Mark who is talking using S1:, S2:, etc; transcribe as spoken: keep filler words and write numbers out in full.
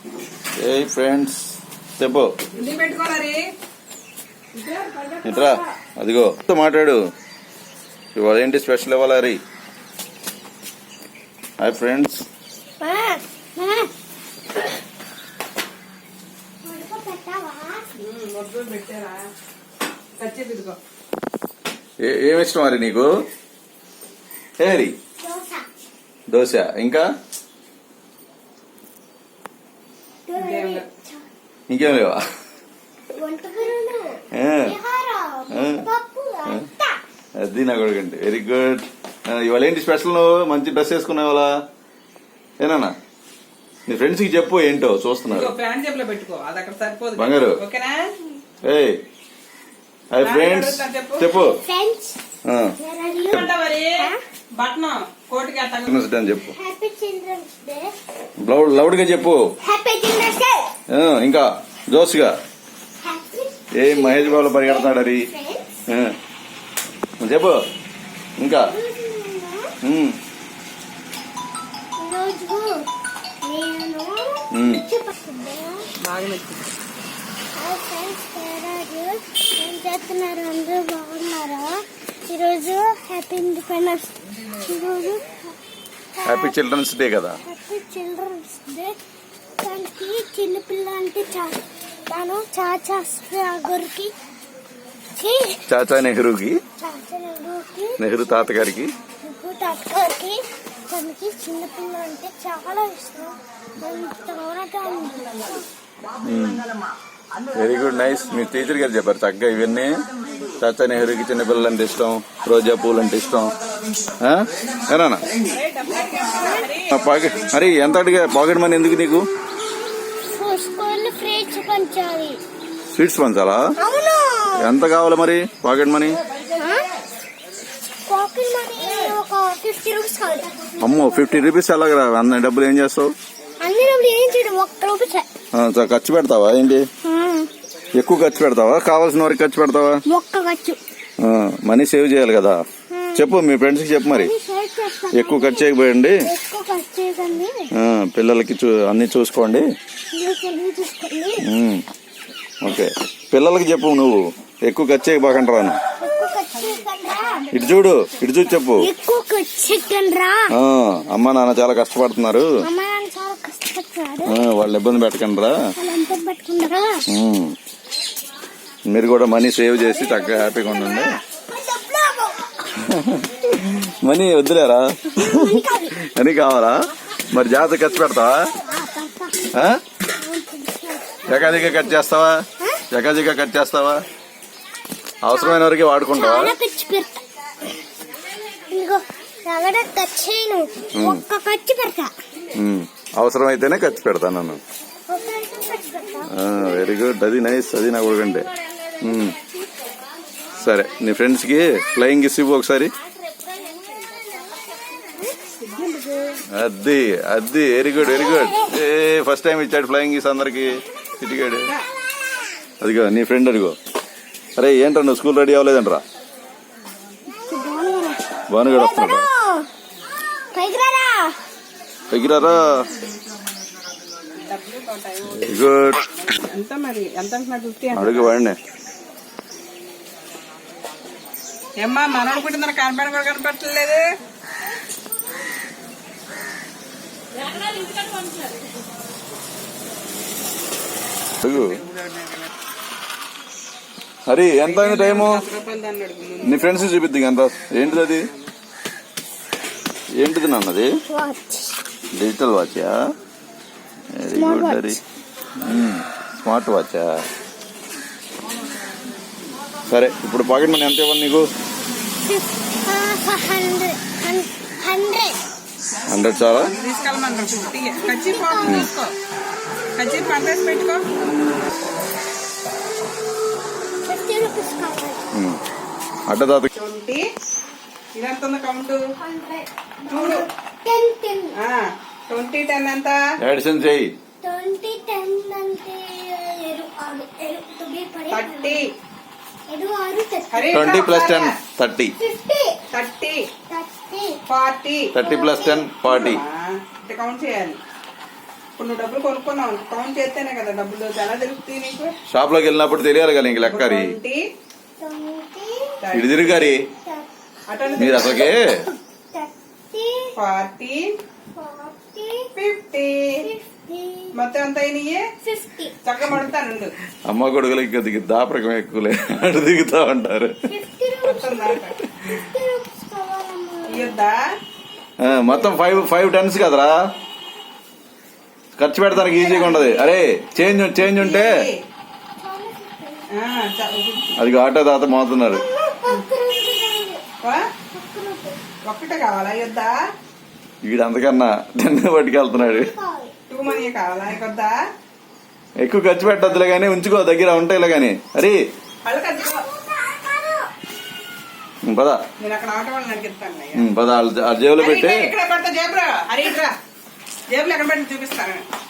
S1: ఏ friends చెప్పు ఇట్రా అదిగో మాట్లాడు ఇవాళ ఏంటి స్పెషల్ ఇవ్వాలి హరి హాయ్ ఫ్రెండ్స్ ఏమి ఇష్టం హరి నీకు ఏ హరి దోశ ఇంకా ఇంకేం లేవా అది నా కొడుకండి వెరీ గుడ్ ఇవాళ ఏంటి స్పెషల్ నువ్వు మంచి డ్రెస్ వేసుకున్నావు ఇవాళ ఏనా నీ ఫ్రెండ్స్ కి చెప్పు ఏంటో చూస్తున్నారు బంగారు ఏ హాయ్ ఫ్రెండ్స్ చెప్పు చెప్పు లౌడ్ గా చెప్పు ఇంకా జోస్గా ఏ మహేష్ బాబు పరిగెడతాడు అది చెప్పు ఇంకా
S2: చేస్తున్నారు అందరూ బాగున్నారా? ఈరోజు హ్యాపీ ఇండిపెండెన్స్ ఈరోజు
S1: హ్యాపీ చిల్డ్రన్స్ డే కదా.
S2: Happy children's day. దానికి చిన్నపిల్ల అంటే తాను చాచా గారికి
S1: చాచా నెహ్రూకి
S2: చాచా నెహ్రూకి
S1: నెహ్రూ తాతగారికి
S2: నెహ్రూ తాతగారికి తనకి చిన్నపిల్ల అంటే చాలా ఇష్టం.
S1: Very good nice. మీ టీచర్ గారు చెప్పారు చక్కగా ఇవన్నీ. చాచా నెహ్రూకి చిన్నపిల్లలు అంటే ఇష్టం, రోజా పూలు అంటే ఇష్టం. ఏనా పాకెట్ మరి ఎంత అడిగా పాకెట్ మనీ ఎందుకు నీకు? స్వీట్స్ పంచాలా? ఎంత కావాలి మరి పాకెట్ మనీ? అమ్మో ఫిఫ్టీ రూపీస్ ఎలాగరా? అన్న డబ్బులు ఏం చేస్తావు? ఖర్చు పెడతావా ఏంటి? ఎక్కువ ఖర్చు పెడతావా కావాల్సిన వరకు ఖర్చు పెడతావా? మనీ సేవ్ చేయాలి కదా. చెప్పు మీ ఫ్రెండ్స్ కి చెప్పు మరి ఎక్కువ ఖర్చు చేయకపోయండి, పిల్లలకి అన్ని చూసుకోండి. ఓకే పిల్లలకి చెప్పు నువ్వు ఎక్కువ ఖర్చు చేయబోకండి రాను. ఇటు చూడు ఇటు చూసి చెప్పు. అమ్మ నాన్న చాలా కష్టపడుతున్నారు, వాళ్ళు ఇబ్బంది పెట్టకండి రా. మీరు కూడా మనీ సేవ్ చేసి చక్కగా హ్యాపీగా ఉండండి. మనీ వద్దులేరా, మనీ కావాలా? మరి జాగ్రత్త ఖర్చు పెడతావా? ఎకాదిగా ఖర్చు చేస్తావా? ఎకాదిగా ఖర్చు చేస్తావా? అవసరమైన వరకు వాడుకుంటావా? అవసరం అయితేనే ఖర్చు పెడతా నన్ను. వెరీ గుడ్, అది నైస్, అది నా కొడుకంటే. సరే నీ ఫ్రెండ్స్ కి ఫ్లయింగ్ కిస్ ఇవ్వు ఒకసారి. అది అది వెరీ గుడ్ వెరీ గుడ్. ఏ ఫస్ట్ టైం ఇచ్చాడు ఫ్లయింగ్ కిస్ అందరికి ఇటుగాడు. అదిగో నీ ఫ్రెండ్ అదిగో. అరే ఏంటో నువ్వు స్కూల్ రెడీ అవ్వలేదంట్రా? భానుగాడు వస్తున్నాడు. పైకిరారా. గుడ్ అడుగు వాడినే.
S3: ఏమ్మా మనోడు పుట్టిందని కనపడ కూడా కనపడలేదు.
S1: హరి ఎంత అయింది టైము? నీ ఫ్రెండ్స్ చూపిద్ది ఎంత. ఏంటిది అది? ఏంటిది నాన్నది? డిజిటల్ వాచా? Very good Hari. స్మార్ట్ వాచా? సరే ఇప్పుడు పాకెట్ మనీ ఎంత ఇవ్వాలి నీకు? హండ్రెడ్ చాలా? అడ్డదాత
S3: ట్వంటీ టెన్ ఎంత?
S1: ఎడిషన్ చెయ్యి.
S3: Thirty.
S1: Twenty plus ten thirty.
S3: Forty.
S1: Thirty plus ten forty.
S3: Count చేయాలి. ఇప్పుడు నువ్వు డబ్బులు కొనుక్కున్నావు కౌంట్ చేస్తేనే కదా డబ్బులు ఎలా తెలుస్తాయి నీకు
S1: షాప్ లోకి వెళ్ళినప్పుడు తెలియాలి కదా ఇంక లెక్కరి
S3: ట్వంటీ
S2: ట్వంటీ
S1: ఇటు తిరిగారి
S3: అటెండ్
S1: మీరు అసలుకే
S2: thirty
S3: forty
S2: forty
S3: fifty
S2: fifty
S3: మొత్తం ఎంత అయినాయి
S2: ఫిఫ్టీ
S3: చక్కగా పడతానుండు
S1: అమ్మ కొడుకులకి కొద్దిగా దాపరకం ఎక్కువలే అటు దిగుతా ఉంటారు
S2: ఫిఫ్టీ
S3: మొత్తం దాకా
S2: ఫిఫ్టీ రూపీస్ కావాలమ్మా.
S3: ఇయ్యొద్దా
S1: ఆ, మొత్తం ఫైవ్ ఫైవ్ టెన్స్ కదరా ఖర్చు పెడతానికి ఈజీగా ఉండదు. అరే చేంజ్ చేంజ్ ఉంటే
S3: ఆ, చ-
S1: అది ఆటో తాత మోతున్నారు.
S2: ఒక్క రూపీ కావాలి.
S3: ఆ?
S2: ఒక్క రూపీ
S3: ఒక్కటే కావాలా ఇయ్యొద్దా
S1: వీడు అంతకన్నా టెన్ పట్టుకెళ్తున్నాడు.
S2: కావాలి.
S3: టూ మనీ కావాలా ఇకొద్దా
S1: ఎక్కువ ఖర్చు పెట్టద్దులే గానీ ఉంచుకో దగ్గర ఉంటాయిలే గానీ. అరే
S3: వాళ్ళు ఖర్చు
S1: ఉం, పద
S3: నేను అక్కడ ఆటో వాళ్ళని అడిగిస్తాను
S1: ఉం, పద వాళ్ళ- ఆ జేబులో పెట్టి
S3: ఇక్కడ పెడతా జేబులో అరే ఇట్రా జేబులో ఎక్కడ పెట్టి చూపిస్తాను